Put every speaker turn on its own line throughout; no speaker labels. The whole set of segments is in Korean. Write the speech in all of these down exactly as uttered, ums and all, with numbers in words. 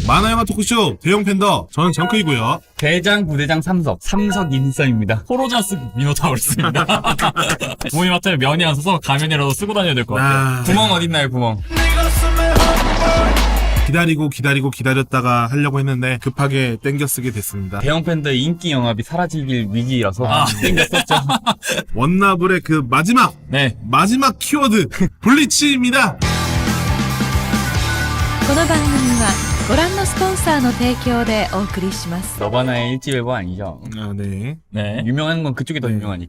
만화영화 토크쇼 대형 팬더 저는 정크이고요.
대장, 부대장, 삼석. 삼석 인썸입니다.
포로자스 미노타우루스입니다. 부모님한테 면이 안 서서 가면이라도 쓰고 다녀야 될 것 같아요.
아,
구멍 어딨나요, 구멍?
기다리고 기다리고 기다렸다가 하려고 했는데 급하게 땡겨 쓰게 됐습니다.
대형 팬더의 인기 영합이 사라지길 위기라서
아.
땡겼었죠.
원나블의 그 마지막
네.
마지막 키워드 블리치입니다.
この番組はご覧のスポンサーの提供でお送りします。
너바나의 일집일보 아니죠?
아, 네.
네.
유명한 건 그쪽이 더
네.
유명하니까.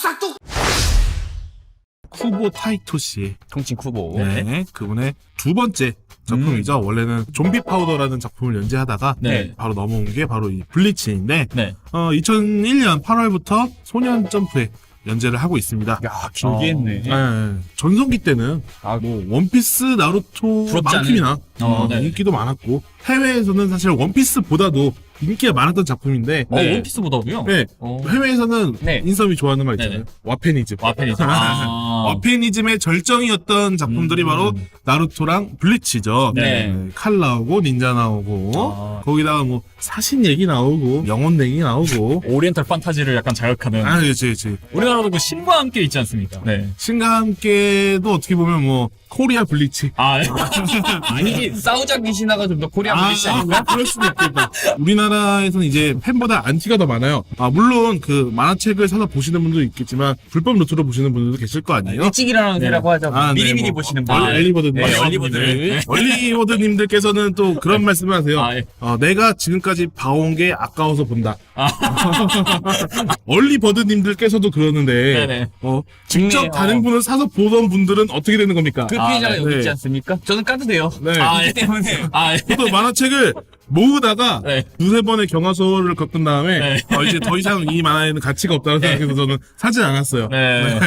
쿠보 타이토 씨의
통칭 쿠보.
네, 그분의 두 번째 작품이죠. 원래는 좀비 파우더라는 작품을 연재하다가
네.
바로 넘어온 게 바로 이 블리치인데
네.
어, 이천일 년 팔월부터 소년 점프에 연재를 하고 있습니다.
야, 길게 했네.
네, 전성기 때는
아,
뭐 원피스, 나루토
부럽지
만큼이나
않은?
어,
어, 네.
인기도 많았고 해외에서는 사실 원피스보다도 인기가 많았던 작품인데
어,
네.
원피스보다도요?
네,
어.
해외에서는
네.
인썸이 좋아하는 말 있잖아요.
네네.
와페니즘.
와펜이죠. 아.
와페니즘의 절정이었던 작품들이
음.
바로 나루토랑 블리치죠.
네.
칼 나오고 닌자 나오고
아.
거기다가 뭐 사신 얘기 나오고 영혼 얘기 나오고
오리엔탈 판타지를 약간 자극하는.
아 그렇지 그렇지.
우리나라도 그 신과 함께 있지 않습니까? 네.
신과 함께도 어떻게 보면 뭐 코리아 블리치.
아,
아니지, 싸우자 귀신화가 좀 더 코리아 블리치 아닌가?
그럴 수도 있겠다. 우리나라에서는 이제 팬보다 안티가 더 많아요. 아, 물론 그 만화책을 사서 보시는 분도 있겠지만 불법 루트로 보시는 분들도 계실 거 아니에요?
일찍 일어나는 새라고 하죠.
아, 네,
미리미리
뭐,
보시는
아,
분들.
엘리버드님.
네, 얼리버들.
얼리버드님들께서는 또 그런 말씀을 하세요.
아, 예.
어, 내가 지금까지 봐온 게 아까워서 본다. 얼리버드님들께서도 그러는데,
네네.
어, 직접
국내,
다른
어.
분을 사서 보던 분들은 어떻게 되는 겁니까?
그
아,
피해자가
네.
여기
네.
있지 않습니까? 저는 까도 돼요.
네.
아,
이
예.
때문에.
아, 예.
저도 만화책을 모으다가
네.
두세 번의 경화소를 겪은 다음에
네.
어, 이제 더 이상 이 만화에는 가치가 없다고 생각해서 저는 사지 않았어요.
네.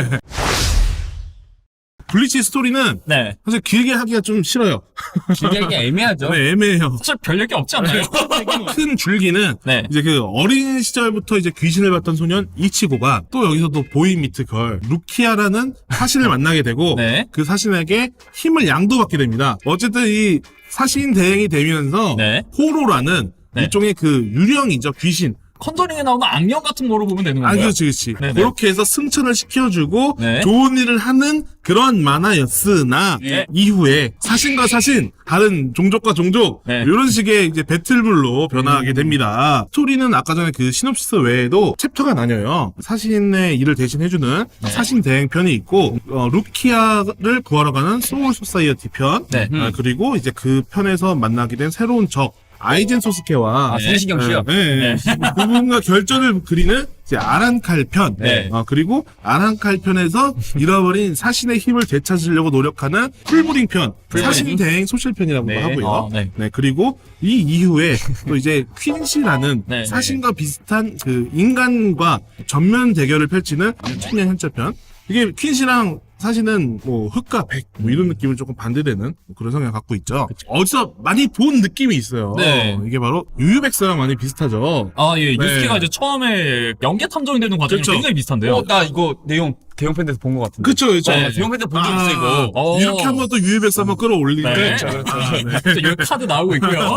블리치 스토리는
네.
사실 길게 하기가 좀 싫어요.
길게 하기 애매하죠.
네, 애매해요.
사실 별 얘기 없지 않나요?
큰 줄기는
네.
이제 그 어린 시절부터 이제 귀신을 봤던 소년 이치고가 또 여기서 또 보이 미트 걸 루키아라는 사신을 만나게 되고
네.
그 사신에게 힘을 양도받게 됩니다. 어쨌든 이 사신 대행이 되면서
네.
호로라는
네.
일종의 그 유령이죠, 귀신.
컨저링에 나오는 악령 같은 거로 보면 되는
아,
건가요?
그렇지, 그렇지.
네네.
그렇게 해서 승천을 시켜주고
네.
좋은 일을 하는 그런 만화였으나
네.
이후에 사신과 사신, 다른 종족과 종족
네.
이런 식의 이제 배틀물로 변화하게 됩니다. 스토리는 아까 전에 그 시놉시스 외에도 챕터가 나뉘어요. 사신의 일을 대신해주는
네.
사신 대행편이 있고 어, 루키아를 구하러 가는 소울 소사이어티 편
네.
아, 그리고 이제 그 편에서 만나게 된 새로운 적 아이젠 소스케와
아, 성시경 씨요?
네, 네. 그분과 결전을 그리는 이제 아란칼 편.
네.
어, 그리고 아란칼 편에서 잃어버린 사신의 힘을 되찾으려고 노력하는 풀브링 편.
풀브링.
사신 대행 소실 편이라고도
네.
하고요.
어, 네.
네. 그리고 이 이후에 또 이제 퀸시라는
네,
사신과 비슷한 그 인간과 전면 대결을 펼치는 청년 현자 편. 이게 퀸시랑 사실은 뭐 흑과 백 뭐 이런 느낌을 조금 반대되는 뭐 그런 성향을 갖고 있죠. 어디서 많이 본 느낌이 있어요.
네.
이게 바로 유유백서랑 많이 비슷하죠.
아, 예.
네.
유스케가 이제 처음에 연계 탐정이 되는 과정이
그렇죠.
굉장히 비슷한데요.
어, 나 이거 내용 대형 팬에서 본 것 같은데.
그쵸, 그쵸.
네.
대형 팬에서 본 적 있어, 이거.
어.
이렇게 한번 또 유유백서 한번 끌어올리는
네.
거죠. 아, 네.
그래서 여기 카드 나오고 있고요.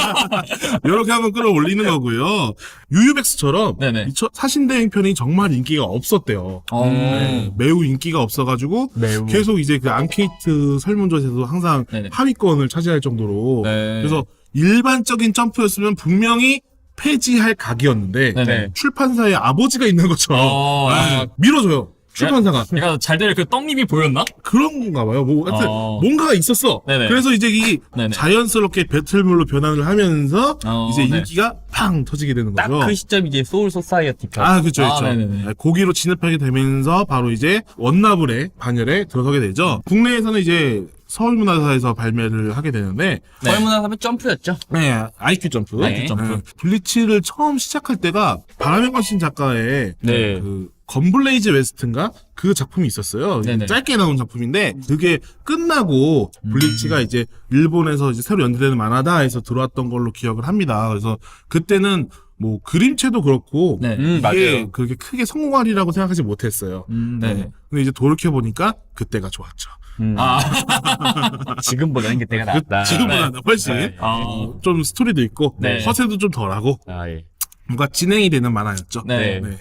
이렇게 한번 끌어올리는 거고요. 유유백서처럼
네네.
이 처- 사신대행편이 정말 인기가 없었대요.
어.
네, 매우 인기가 없어가지고
매우.
계속 이제 그 앙케이트 설문조사에서도 항상
네네.
하위권을 차지할 정도로
네.
그래서 일반적인 점프였으면 분명히 폐지할 각이었는데
네네.
출판사의 아버지가 있는 것처럼
어.
네, 밀어줘요. 출판사가.
그러니까 잘 될 그 떡잎이 보였나?
그런 건가 봐요. 뭐, 하여튼,
어.
뭔가가 있었어.
네네.
그래서 이제 이
네네.
자연스럽게 배틀물로 변환을 하면서
어,
이제
네.
인기가 팡 터지게 되는
딱
거죠.
그 시점 이제 소울 소사이어티 편.
아, 그쵸,
아,
그쵸.
네네네.
고기로 진입하게 되면서 바로 이제 원나블의 반열에 들어서게 되죠. 국내에서는 이제 서울문화사에서 발매를 하게 되는데,
네.
서울문화사면 점프였죠.
네, 아이큐 점프.
아이큐 점프.
블리치를 처음 시작할 때가 바람의 관신 작가의
네.
그 건블레이즈 웨스트인가 그 작품이 있었어요.
네네.
짧게 나온 작품인데 그게 끝나고 블리치가 이제 일본에서 이제 새로 연재되는 만화다 해서 들어왔던 걸로 기억을 합니다. 그래서 그때는 뭐 그림체도 그렇고
네.
음,
이게
맞아요.
그렇게 크게 성공하리라고 생각하지 못했어요.
음, 네.
근데 이제 돌이켜 보니까 그때가 좋았죠.
음.
아,
지금보다는 그때가 낫다.
지금보다 훨씬
네.
아,
어, 좀 스토리도 있고
네.
허세도 좀 덜하고
아, 예.
뭔가 진행이 되는 만화였죠.
네.
네.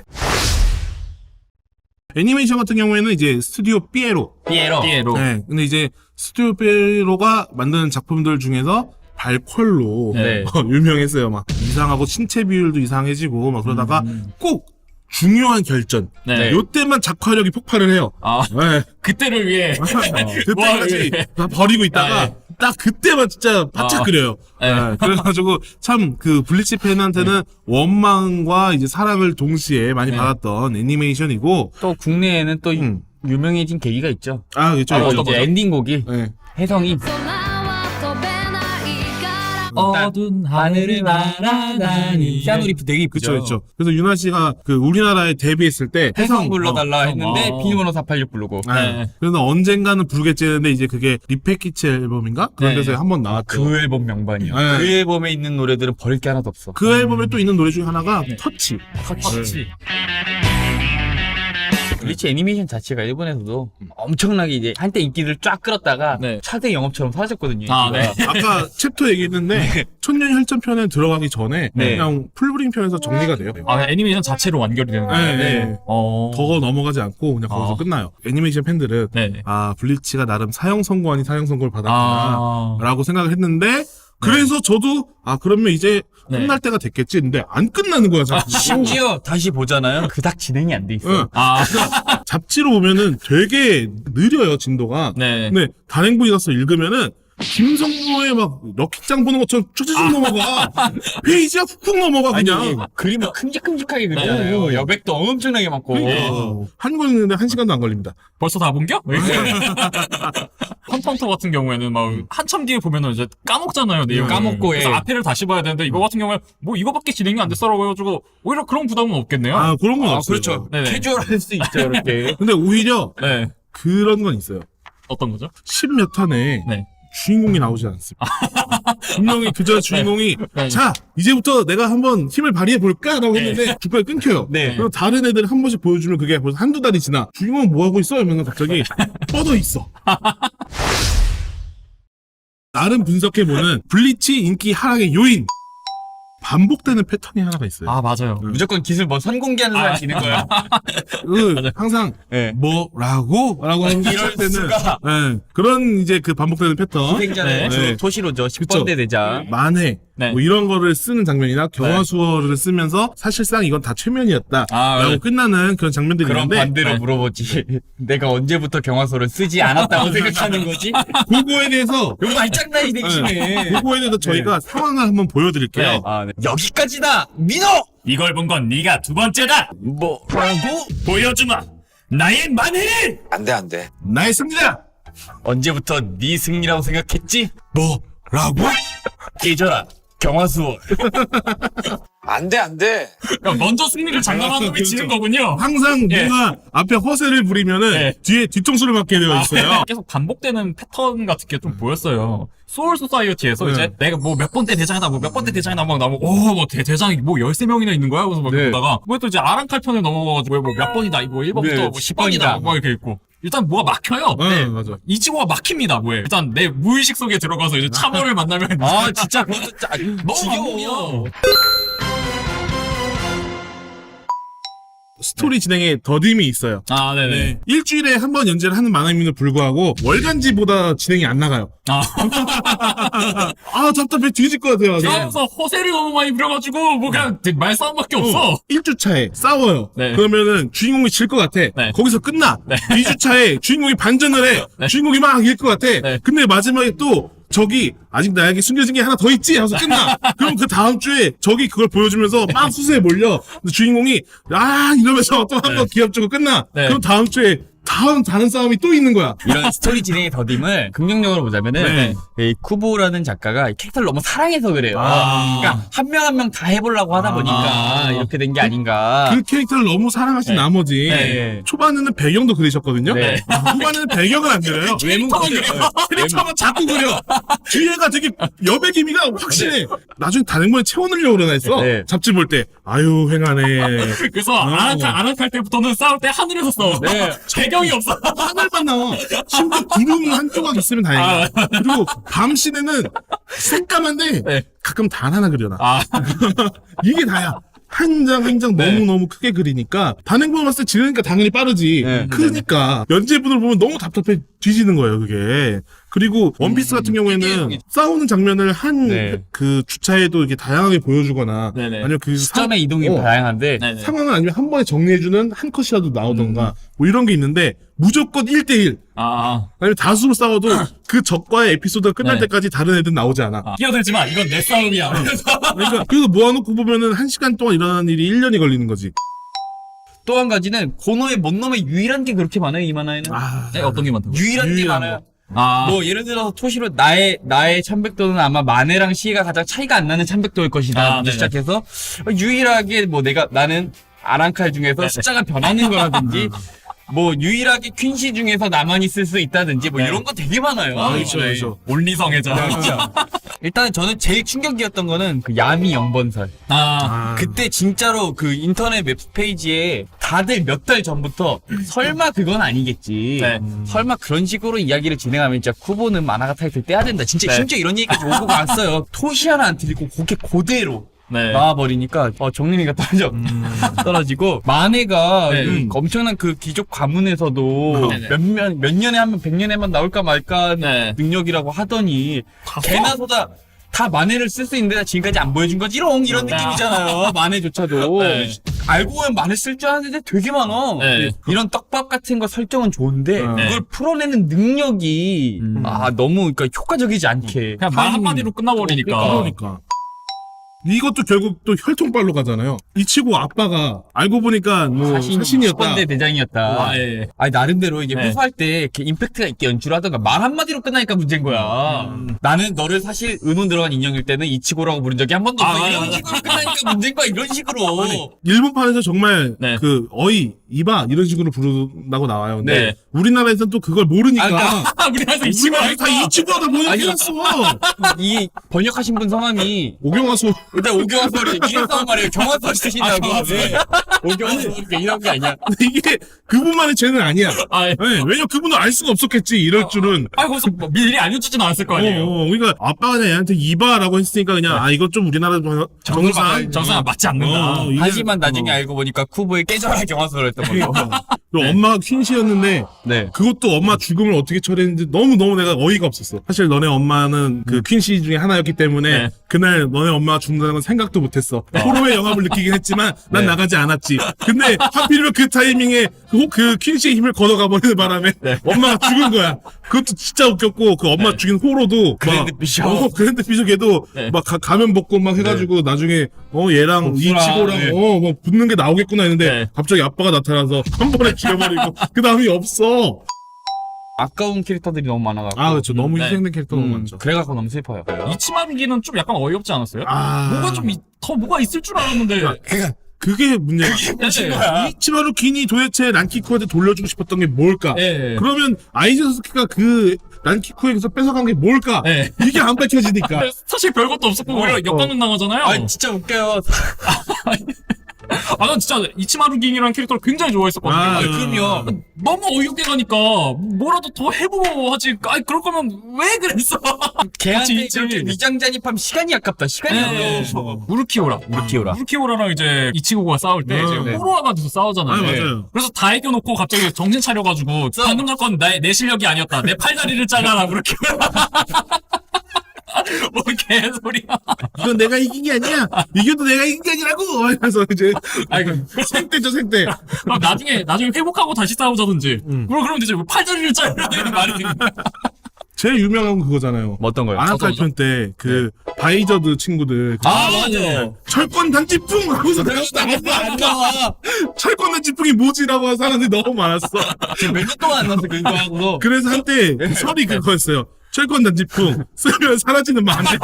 애니메이션 같은 경우에는 이제 스튜디오 삐에로.
피에로.
피에로.
네. 근데 이제 스튜디오 삐에로가 만드는 작품들 중에서 발퀄로
네.
어, 유명했어요. 막 이상하고 신체 비율도 이상해지고 막 그러다가
음.
꼭 중요한 결전.
네.
요때만 작화력이 폭발을 해요.
아,
네.
그때를 위해.
그때까지
와, 예.
다 버리고 있다가
아, 예.
딱 그때만 진짜 바짝
아.
그려요.
네.
네. 그래가지고 참 그 블리치 팬한테는 원망과 이제 사랑을 동시에 많이
네.
받았던 애니메이션이고.
또 국내에는 또
음.
유명해진 계기가 있죠.
아, 그렇죠.
바로
그렇죠.
이제 엔딩곡이
네.
혜성이
어두운 하늘을 날아다니.
피아노 리프 되게
그쵸,
이쁘죠.
그쵸. 그래서 유나 씨가 그 우리나라에 데뷔했을 때
혜성 불러달라
어,
했는데
어.
비밀번호 사팔육 부르고
네.
네.
그래서 언젠가는 부르겠지 했는데 이제 그게 리패키치 앨범인가? 그런
네.
데서 한 번 나왔죠.
그 앨범 명반이야.
네.
그 앨범에 있는 노래들은 버릴 게 하나도 없어.
그 앨범에 또 있는 노래 중에 하나가 터치.
터치.
블리치 애니메이션 자체가 일본에서도 엄청나게 이제 한때 인기를 쫙 끌었다가
네.
차대 영업처럼 사라졌거든요.
아,
인기가.
네.
아까 챕터 얘기했는데 천년혈전편에 들어가기 전에
네.
그냥 풀브링 편에서 정리가 돼요.
아, 애니메이션 자체로 완결이 되는
네,
거예요.
네.
어.
더 넘어가지 않고 그냥 거기서
아.
끝나요. 애니메이션 팬들은
네.
아 블리치가 나름 사형 선고 아닌 사형 선고를 받았구나
아.
라고 생각을 했는데 그래서 저도 아 그러면 이제
네.
끝날 때가 됐겠지 근데 안 끝나는 거야 자꾸.
심지어 다시 보잖아요. 그닥 진행이 안 돼 있어.
응.
아,
잡지로 보면은 되게 느려요 진도가.
네.
근데 단행본이 가서 읽으면은 김성모의 막 럭키짱 보는 것처럼 쭉쭉 넘어가. 페이지가 훅훅 넘어가 그냥.
아니, 그림을 큼직큼직하게 그리잖아요.
네.
여백도 엄청나게 많고.
어, 한 권 읽는데 한 시간도 안 걸립니다.
벌써 다 본겨? 헌터헌터 같은 경우에는 막 한참 뒤에 보면은 이제 까먹잖아요. 내용
까먹고,
그래서
예.
앞에를 다시 봐야 되는데 이거 같은 경우에 뭐 이거밖에 진행이 안 됐어라고 해가지고 오히려 그런 부담은 없겠네요.
아 그런 건
아,
없어요.
그렇죠.
네네.
캐주얼할 수 있죠, 이렇게.
근데 오히려
네.
그런 건 있어요.
어떤 거죠?
십몇 탄에
네.
주인공이 나오지 않습니다. 분명히 그저 주인공이
네.
자 이제부터 내가 한번 힘을 발휘해 볼까라고 했는데 중간에 끊겨요.
네.
그리고 다른 애들 한 번씩 보여주면 그게 벌써 한두 달이 지나 주인공은 뭐 하고 있어? 이러면 갑자기 뻗어 있어. 나름 분석해보는 블리치 인기 하락의 요인 반복되는 패턴이 하나가 있어요.
아, 맞아요.
무조건 기술 뭐 선공개하는 사람이 있는 거야.
그 항상
네.
뭐라고? 라고 하는
이럴
때는
수가.
네, 그런 이제 그 반복되는 패턴
희생자는
네.
주로
네.
토시로죠. 십
그쵸.
번대 대장.
만회
네.
뭐 이런 거를 쓰는 장면이나 경화수어를 쓰면서 사실상 이건 다 최면이었다
아,
라고
네.
끝나는 그런 장면들이
그런
있는데
반대로
네.
물어보지. 내가 언제부터 경화소를 쓰지 않았다고 생각하는 거지?
그거에 대해서
이거 말장난이 되기 심해.
그거에 대해서 저희가 상황을 한번 보여드릴게요.
네.
아, 네. 여기까지다! 민호!
이걸 본 건 네가 두 번째다.
뭐라고?
보여주마. 나의 만회를.
안 돼, 안 돼.
나의 승리다!
언제부터 네 승리라고 생각했지?
뭐라고?
깨져라. 경화수월.
안 돼, 안 돼.
그러니까 먼저 승리를 장담한 놈이 지는 거군요.
항상
예.
누가 앞에 허세를 부리면은
예.
뒤에 뒤통수를 맞게 되어 있어요.
계속 반복되는 패턴 같은 게 좀 보였어요. 소울 소사이어티에서
네.
이제 내가 뭐 몇 번째 대장이다, 뭐 몇 번째 대장이다 막 나오고, 오, 뭐 대, 대장이 뭐 열세 명이나 있는 거야? 그래서 막
네.
보다가, 뭐 또 이제 아랑칼 편에 넘어가가지고, 뭐 몇 번이다, 뭐 일 번부터
네,
뭐 십 번이다,
번이다.
뭐 이렇게 있고. 일단 뭐가 막혀요.
네, 맞아.
이 지구가 막힙니다, 뭐에. 일단 내 무의식 속에 들어가서 이제 참여를 만나면.
아, 진짜 그것도 짜,
너무
지겨워.
반복이야.
스토리 진행에 더딤이 있어요.
아, 네네.
네. 일주일에 한 번 연재를 하는 만화임에도 불구하고 월간지보다 진행이 안 나가요.
아,
아 답답해 뒤질 것 같아요. 네.
싸워서 허세를 너무 많이 부려가지고, 뭐 그냥 말싸움밖에 없어.
일 주차에 싸워요.
네.
그러면은 주인공이 질 것 같아.
네.
거기서 끝나.
네.
이 주차에 주인공이 반전을 해.
네.
주인공이 막 이길 것 같아.
네.
근데 마지막에 또 저기 아직 나에게 숨겨진 게 하나 더 있지 하면서 끝나. 그럼 그 다음 주에 저기 그걸 보여주면서 막 수세에 몰려. 근데 주인공이 아 이러면서 또 한 번
네.
기합 주고 끝나.
네.
그럼 다음 주에 다음 다른 싸움이 또 있는 거야.
이런 스토리 진행의 더딤을 긍정적으로 보자면은
네.
이 쿠보라는 작가가 이 캐릭터를 너무 사랑해서 그래요.
아.
그러니까 한 명 한 명 다 해보려고 하다 보니까
아.
이렇게 된 게 아닌가.
그 캐릭터를 너무 사랑하신
네.
나머지
네.
초반에는 배경도 그리셨거든요.
네.
후반에는 배경을 안 그려요.
캐릭터만 그려.
캐릭터만 자꾸 그려. 뒤에가 되게 여배 기미가 확실해. 나중에 다른 채워 넣으려고 그러나 했어.
네.
잡지 볼 때 아유 횡하네.
그래서 아랑칼, 아랑칼 때부터는 싸울 때 하늘에서 싸워.
네.
배경 배경이 없어.
하늘만 나와. 심지어 구름 한 조각 있으면 다행이야. 그리고 밤 시내는 새까만데
네.
가끔 단 하나 그려놔.
아,
이게 다야. 한 장 한 장
네.
너무너무 크게 그리니까 단행본을 봤을 때 지르니까 당연히 빠르지.
네.
크니까 연재분을 보면 너무 답답해 뒤지는 거예요, 그게. 그리고 원피스 같은 경우에는
이게-
싸우는 장면을 한 그
네.
주차에도 이렇게 다양하게 보여주거나
네네.
아니면 그
시점의 이동이
어,
다양한데
네네.
상황을 아니면 한 번에 정리해주는 한 컷이라도 나오던가 뭐 이런 게 있는데 무조건 일 대일
아,
아니면 다수로 싸워도 그 적과의 에피소드가 끝날
네.
때까지 다른 애들 나오지 않아.
아. 끼어들지만 이건 내 싸움이야.
그러니까 그래서 모아놓고 보면은 한 시간 동안 일어나는 일이 일 년이 걸리는 거지.
또 한 가지는 고노의 뭔 놈의 유일한 게 그렇게 많아요, 이 만화에는.
아,
네, 어떤 게 많다고?
유일한 게
유일한
많아요.
아,
뭐 예를 들어서 토시로 나의 나의 천백도는 아마 마네랑 시에가 가장 차이가 안 나는 천백도일 것이다.
아,
부터
네네.
시작해서 유일하게 뭐 내가 나는 아랑칼 중에서
네네.
숫자가 변하는 거라든지 뭐 유일하게 퀸시 중에서 나만 있을 수 있다든지 뭐
네.
이런 거 되게 많아요.
아, 그렇죠, 그렇죠.
올리성애자.
일단은 저는 제일 충격이었던 거는 그 야미 영번설.
아,
아,
그때 진짜로 그 인터넷 웹페이지에 다들 몇 달 전부터 설마 그건 아니겠지.
네.
설마 그런 식으로 이야기를 진행하면 진짜 쿠보는 만화가 타이틀 떼야 된다. 진짜
네.
심지어 이런 얘기까지 오고 왔어요. 토시 하나 안 틀리고 그게 그대로
네.
나와버리니까 어, 정리미가 떨어져. 떨어지고 만해가
네.
그 엄청난 그 기족 가문에서도
네네.
몇몇 몇 년에 한 번 백 년에만 나올까 말까
네.
능력이라고 하더니 개나 소다 다 만해를 쓸 수 있는데 지금까지 안 보여준 거지 이런 이런
네.
느낌이잖아요. 만해조차도
네.
알고 보면 만해 쓸 줄 아는데 되게 많아.
네.
이런 떡밥 같은 거 설정은 좋은데
네.
그걸 풀어내는 능력이
음.
아 너무 그러니까 효과적이지 않게
그냥 말 한마디로 끝나버리니까.
그러니까. 이것도 결국 또 혈통빨로 가잖아요. 이치고 아빠가 알고 보니까 뭐
사신
사신이었다.
십 번대 대장이었다.
아, 예.
아니 나름대로 이게
네.
회수할 때 이렇게 임팩트가 있게 연출을 하던가 말 한마디로 끝나니까 문제인 거야.
음.
나는 너를 사실 은혼 들어간 인형일 때는 이치고라고 부른 적이 한 번도 없어.
아,
이런
맞아,
식으로 끝나니까 문제인 거야. 이런 식으로.
일본판에서 정말
네.
그 어이, 이봐 이런 식으로 부른다고 나와요. 근데
네.
우리나라에서는 또 그걸 모르니까
아, 그러니까
아, 우리나라에서 이 친구
우리나라 다 이치고하다 번역해놨어.
이 번역하신 분 성함이
오경화소.
일단 오경화 소리 이랬단 말이에요. 경화소 쓰신다고.
아, 경화 소리.
네. 오경화 소리 이런 게 아니야.
근데 이게 그분만의 죄는 아니야.
아, 예.
네, 왜냐 그분은 알 수가 없었겠지 이럴 줄은.
아, 거기서 뭐 미리 알려주진 않았을 거
어,
아니에요.
어, 그러니까 아빠가 그냥 얘한테 이봐라고 했으니까 그냥 아 이것 좀 우리나라 정- 정상.
정상 맞지 않는다.
어, 이게-
하지만 나중에
어.
알고 보니까 쿠보의 깨져라 경화소를 했던 거예요.
그러니까. 그리고 엄마가 퀸시였는데
네.
그것도 엄마 죽음을 어떻게 처리했는지 너무너무 내가 어이가 없었어. 사실 너네 엄마는 그 퀸시 중에 하나였기 때문에
네.
그날 너네 엄마가 죽는다는 건 생각도 못했어. 호로의 영합을 느끼긴 했지만 난
네.
나가지 않았지. 근데 하필이면 그 타이밍에 그, 그 퀸시의 힘을 걷어가 버리는 바람에 엄마가 죽은 거야. 그것도 진짜 웃겼고 그 엄마
네.
죽인 호로도
그랜드
막,
비숍.
어, 그랜드 비숍 걔도
네.
막 가, 가면 벗고 막 해가지고 나중에 어 얘랑
복수랑,
이치고랑
네.
어 뭐 붙는 게 나오겠구나 했는데
네.
갑자기 아빠가 나타나서 한 번에 죽여버리고 그 다음이 없어.
아까운 캐릭터들이 너무 많아가지고.
아 그렇죠. 너무
네.
희생된 캐릭터 너무
음,
많죠.
그래갖고 너무 슬퍼요.
이치마루기는 좀 약간 어이없지 않았어요?
아
뭐가 좀 더 뭐가 있을 줄 알았는데.
그러니까 그게 문제야.
네.
이치마루 긴이 도대체 란키쿠한테 돌려주고 싶었던 게 뭘까?
예.
그러면 아이즈 사스케가 그 란키쿠에게서 뺏어간 게 뭘까?
예.
이게 안 밝혀지니까.
사실 별것도 없었고
어,
오히려
어.
역감은 나가잖아요.
아 진짜 웃겨요.
아, 난 진짜 이치마루기라는 캐릭터를 굉장히 좋아했었거든요.
아,
아니,
그럼요.
너무 어이없게 가니까 뭐라도 더 해보고 하지. 아이 그럴 거면 왜 그랬어?
걔한테
같이
그렇게
있지.
위장 잔입하면 시간이 아깝다. 시간이
네.
아까워.
무르키오라.
무르키오라.
무르키오라랑 이제 이치고가 싸울 때
네.
이제
네.
호로아가 돼서 싸우잖아요.
아,
네.
맞아요.
그래서 다 이겨놓고 갑자기 정신 차려가지고 방금 전 건 내 실력이 아니었다. 내 팔다리를 잘라라 무르키오라. 뭐 개소리야.
이건 내가 이긴 게 아니야. 이겨도 내가 이긴 게 아니라고. 그래서 이제
아이고.
생때죠 생때.
그럼 나중에 나중에 회복하고 다시 싸우자든지.
음.
그럼 그럼 되지. 팔다리를 잘라라는 말이.
제일 유명한 건 그거잖아요.
뭐 어떤 거요?
아나칼편 때 그 바이저드 친구들 그
아 맞아.
철권 단지풍 하고서
안 나와.
철권 단지풍이 뭐지라고 하는 사람들이 너무 많았어.
지금 몇 년 동안 안 나서 그거 하고서.
그래서 한때 그 설이 그거였어요. 철권 단지풍 쓰면 사라지는 마늘.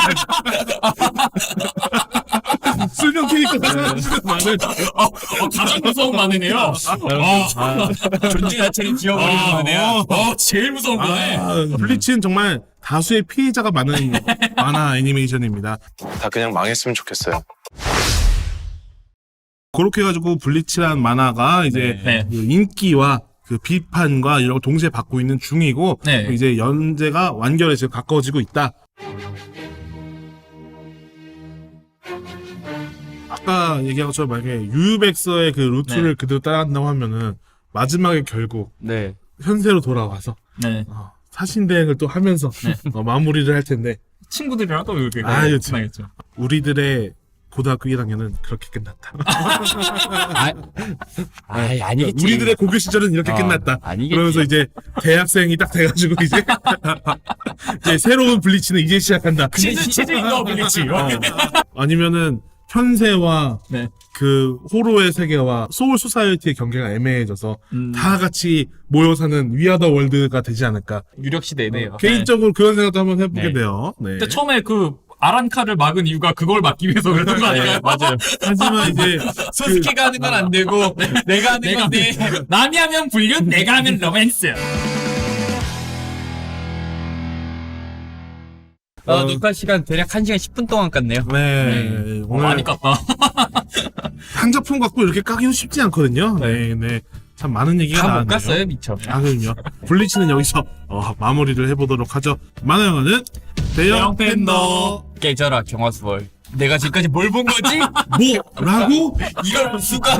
쓰면 캐릭터가 사라지는 마늘.
어, 어, 가장 무서운 마네네요. 아,
존재 자체를 지워버리는
아,
거네요.
어, 어, 제일 무서운 거네.
아, 블리치는 정말 다수의 피해자가 많은 만화 애니메이션입니다.
다 그냥 망했으면 좋겠어요.
그렇게 해가지고 블리치란 만화가 이제
네.
그 인기와 그 비판과 이런 걸 동시에 받고 있는 중이고
네.
이제 연재가 완결에 지금 가까워지고 있다. 아까 얘기한 것처럼 만약에 유유백서의 그 루트를
네.
그대로 따라간다고 하면은 마지막에 결국
네.
현세로 돌아와서
네.
어, 사신대행을 또 하면서 어, 마무리를 할 텐데
친구들이랑 또 이렇게
아, 그렇죠.
끝나겠죠.
우리들의 고등학교 일 학년은 그렇게 끝났다.
아, 아이, 아니겠지.
우리들의 고교 시절은 이렇게
어,
끝났다.
아니겠지.
그러면서 이제 대학생이 딱 돼가지고 이제 이제 새로운 블리치는 이제 시작한다.
치즈 치즈 인더 블리치.
아니면은 현세와
네.
그 호로의 세계와 소울 소사이어티의 경계가 애매해져서
음.
다 같이 모여 사는 위아더 월드가 되지 않을까.
유력시 내네요.
개인적으로 그런 생각도 한번 해보게
네.
돼요. 네.
근데 처음에 그 아란카를 막은 이유가 그걸 막기 위해서 그랬던 거 아닌가요?
맞아요.
하지만 이제
소스케가 하는 건 안 되고 내가 하는
내가
건데.
남이 하면 불륜, 내가 하면 로맨스.
어,
어,
녹화 시간 대략 한 시간 십 분 동안 깠네요.
네,
어,
오늘
많이 깠다.
한 작품 갖고 이렇게 까기는 쉽지 않거든요. 네, 네. 참 많은 얘기가
다 못
나왔네요.
깠어요, 미쳐.
아, 그럼요. 블리치는 여기서 어, 마무리를 해보도록 하죠. 만화영화는 대형
대형
팬더.
깨져라, 경화수월. 내가 지금까지 뭘 본 거지?
뭐라고?
이걸 수가.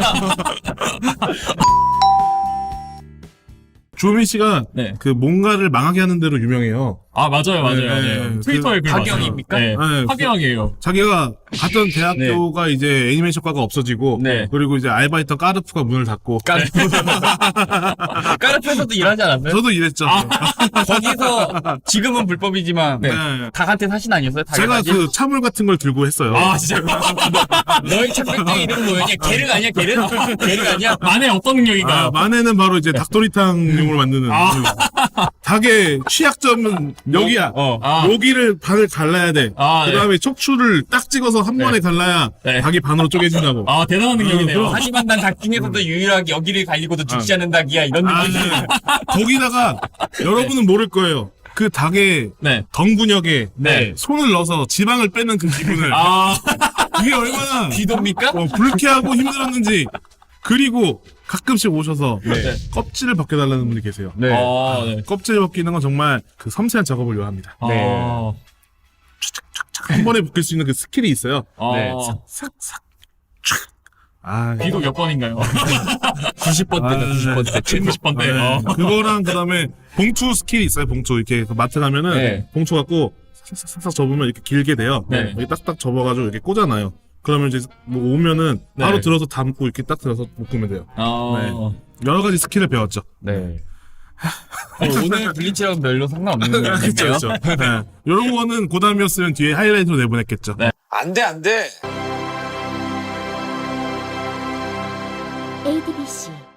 조민 씨가
네.
그 뭔가를 망하게 하는 대로 유명해요.
아 맞아요, 맞아요.
네,
맞아요.
그
트위터에 글
하경입니까?
봤어요. 네.
네,
하경이에요.
자기가 갔던 대학교가 이제 애니메이션과가 없어지고
네.
그리고 이제 알바했던 까르프가 문을 닫고
까르프. 까르프에서도 일하지 않았어요?
저도 이랬죠.
거기서 지금은 불법이지만
네.
닭한테 사신 아니었어요? 닭의
제가
사신?
그 차물 같은 걸 들고 했어요.
아 진짜
너희 착백대 이름 뭐였냐? 게르가 아니야? 게르? 게르가 아니야?
만에 어떤 능력인가요?
아, 만에는 바로 이제 닭도리탕용으로 만드는
아.
그 닭의 취약점은 여기야.
어.
아.
여기를 반을 갈라야 돼.
아,
그 다음에 척추를 딱 찍어서 한 번에 갈라야
네.
닭이 반으로 쪼개진다고.
아 대단한 능력이네요.
어,
하지만 난 닭 중에서도 유일하게 여기를 갈리고도 죽지 않는 닭이야. 이런
아,
느낌.
네. 거기다가 여러분은 모를 거예요. 그 닭의
네.
덩근육에
네.
손을 넣어서 지방을 빼는 그 기분을
아
그게 얼마나
귀도입니까?
어, 불쾌하고 힘들었는지. 그리고 가끔씩 오셔서
네.
껍질을 벗겨달라는 분이 계세요.
네.
아, 네.
껍질 벗기는 건 정말 그 섬세한 작업을 요합니다.
네.
아,
한 번에 벗길 수 있는 그 스킬이 있어요.
아,
네.
싹싹. 아,
비도 몇 번인가요?
구십 번 때다, 구십 번 때.
구십 번 때.
네.
어.
그거랑 그다음에 봉투 스킬이 있어요. 봉투 이렇게 그 마트 가면은
네.
봉투 갖고 싹싹싹 접으면 이렇게 길게 돼요.
네.
여기 딱딱 접어가지고 이렇게 꽂아놔요. 그러면 이제 뭐 오면은 바로
네.
들어서 담고 이렇게 딱 들어서 묶으면 돼요.
아,
여러 가지 스킬을 배웠죠.
네. 어, 오늘 블리치랑 별로 상관없는
그렇죠,
건데요.
그렇죠. 네. 이런 거는 고담이었으면 뒤에 하이라이트로 내보냈겠죠.
네.
안 돼, 안 돼.
에이티비씨